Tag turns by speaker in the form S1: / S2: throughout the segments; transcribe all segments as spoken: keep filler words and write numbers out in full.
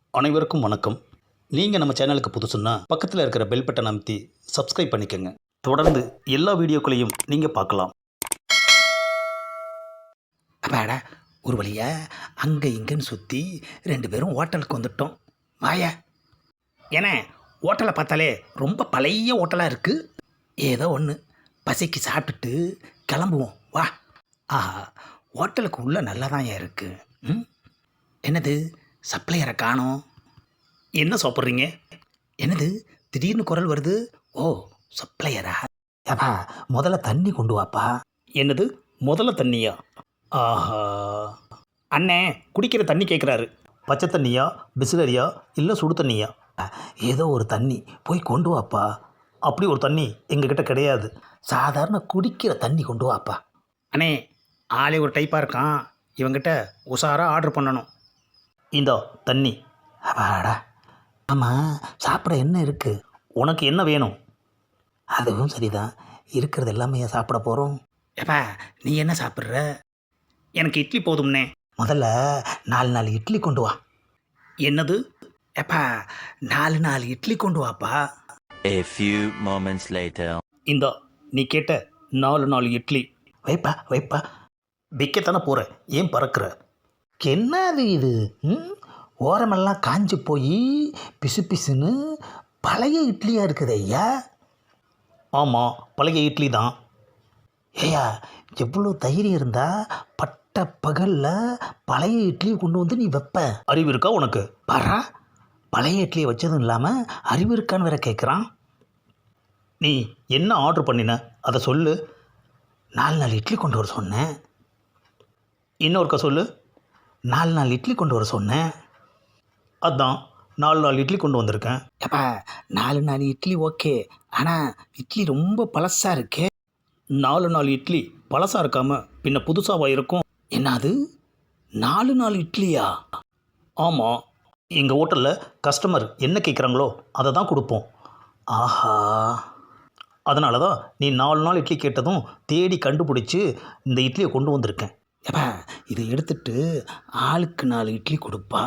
S1: அனைவருக்கும் வணக்கம். நீங்கள் நம்ம சேனலுக்கு புதுசுன்னா பக்கத்தில் இருக்கிற பெல் பட்டன் அமைத்தி சப்ஸ்கிரைப் பண்ணிக்கோங்க. தொடர்ந்து எல்லா வீடியோக்களையும் நீங்கள் பார்க்கலாம்.
S2: அப்பாடா, ஒரு வழியா அங்கே இங்கேன்னு சுற்றி ரெண்டு பேரும் ஹோட்டலுக்கு வந்துட்டோம். வாயா. ஏன்னா ஹோட்டலை பார்த்தாலே ரொம்ப பழைய ஹோட்டலாக இருக்குது. ஏதோ ஒன்று பசிக்கு சாப்பிட்டுட்டு கிளம்புவோம் வா. ஆஹா, ஹோட்டலுக்கு உள்ளே நல்லா தான் இருக்குது. ம் என்னது சப்ளையரை காணோம்.
S1: என்ன சாப்பிட்றீங்க?
S2: என்னது திடீர்னு குரல் வருது? ஓ, சப்ளையரா? அப்பா முதல்ல தண்ணி கொண்டு வாப்பா.
S1: என்னது முதல்ல தண்ணியா? ஆஹா, அண்ணே குடிக்கிற தண்ணி கேட்குறாரு. பச்சை தண்ணியா, பிஸ்லரியா, இல்லை சுடு தண்ணியா?
S2: ஏதோ ஒரு தண்ணி போய் கொண்டு வாப்பா.
S1: அப்படி ஒரு தண்ணி எங்ககிட்ட கிடையாது.
S2: சாதாரண குடிக்கிற தண்ணி கொண்டு வாப்பா.
S1: அண்ணே ஆளே ஒரு டைப்பாக இருக்கான், இவங்கிட்ட உஷாராக ஆர்டர் பண்ணணும். இந்தா தண்ணி.
S2: அப்பாடா. ஆமாம், சாப்பிட என்ன இருக்குது?
S1: உனக்கு என்ன வேணும்?
S2: அதுவும் சரிதான், இருக்கிறது எல்லாமே ஏன் சாப்பிட போகிறோம்? ஏப்பா நீ என்ன சாப்பிட்ற?
S1: எனக்கு இட்லி போதும்னே.
S2: முதல்ல நாலு நாலு இட்லி கொண்டு வா.
S1: என்னது?
S2: ஏப்பா நாலு நாலு இட்லி கொண்டு வாப்பா.
S3: A few moments later.
S1: இந்தா நீ கேட்ட நாலு நாலு இட்லி.
S2: வைப்பா வைப்பா.
S1: விற்கத்தானே போகிற, ஏன் பறக்கிற?
S2: என்னது இது? ம் ஓரமெல்லாம் காஞ்சி போய் பிசு பிசுன்னு பழைய இட்லியாக இருக்குது ஐயா.
S1: ஆமாம், பழைய இட்லி தான்.
S2: ஐயா எவ்வளோ தைரியம் இருந்தால் பட்ட பகலில் பழைய இட்லியை கொண்டு வந்து நீ வைப்ப?
S1: அறிவு இருக்கா உனக்கு?
S2: பாரா, பழைய இட்லியை வச்சதும் இல்லாமல் அறிவு இருக்கான்னு வேற கேட்குறான்.
S1: நீ என்ன ஆர்டர் பண்ணின அதை சொல்லு.
S2: நாலு நாலு இட்லி கொண்டு வர சொன்னேன்.
S1: இன்னொருக்கா சொல்லு.
S2: நாலு நாலு இட்லி கொண்டு வர சொன்னேன்.
S1: அதான் நாலு நாலு இட்லி கொண்டு வந்திருக்கேன்.
S2: எப்பா நாலு நாலு இட்லி ஓகே, ஆனால் இட்லி ரொம்ப பழசாக இருக்கே.
S1: நாலு நாலு இட்லி பழசாக இருக்காமல் பின்ன புதுசாக இருக்கும்.
S2: என்னது நாலு நாலு இட்லியா?
S1: ஆமாம், எங்கள் ஹோட்டலில் கஸ்டமர் என்ன கேட்குறாங்களோ அதை தான் கொடுப்போம்.
S2: ஆஹா,
S1: அதனால தான் நீ நாலு நாள் இட்லி கேட்டதும் தேடி கண்டுபிடிச்சி இந்த இட்லியை கொண்டு வந்திருக்கேன்.
S2: எப்பா இதை எடுத்துட்டு ஆளுக்கு நாலு இட்லி கொடுப்பா.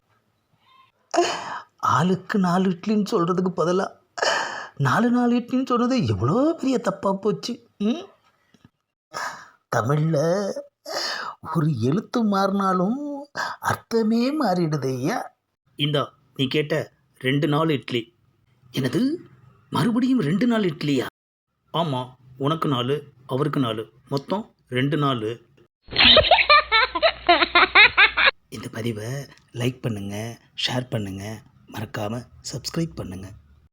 S2: ஆளுக்கு நாலு இட்லின்னு சொல்கிறதுக்கு பதிலாக நாலு நாலு இட்லின்னு சொன்னது எவ்வளோ பெரிய தப்பாக போச்சு. ம் தமிழில் ஒரு எழுத்து மாறினாலும் அர்த்தமே மாறிடுது ஐயா.
S1: இந்தா நீ கேட்ட ரெண்டு நாள் இட்லி.
S2: எனது மறுபடியும் ரெண்டு நாள் இட்லியா?
S1: ஆமாம், உனக்கு நாலு, அவருக்கு நாலு, மொத்தம் ரெண்டு நாள்.
S2: இந்த பதிவை லைக் பண்ணுங்கள், ஷேர் பண்ணுங்கள், மறக்காமல் சப்ஸ்கிரைப் பண்ணுங்கள்.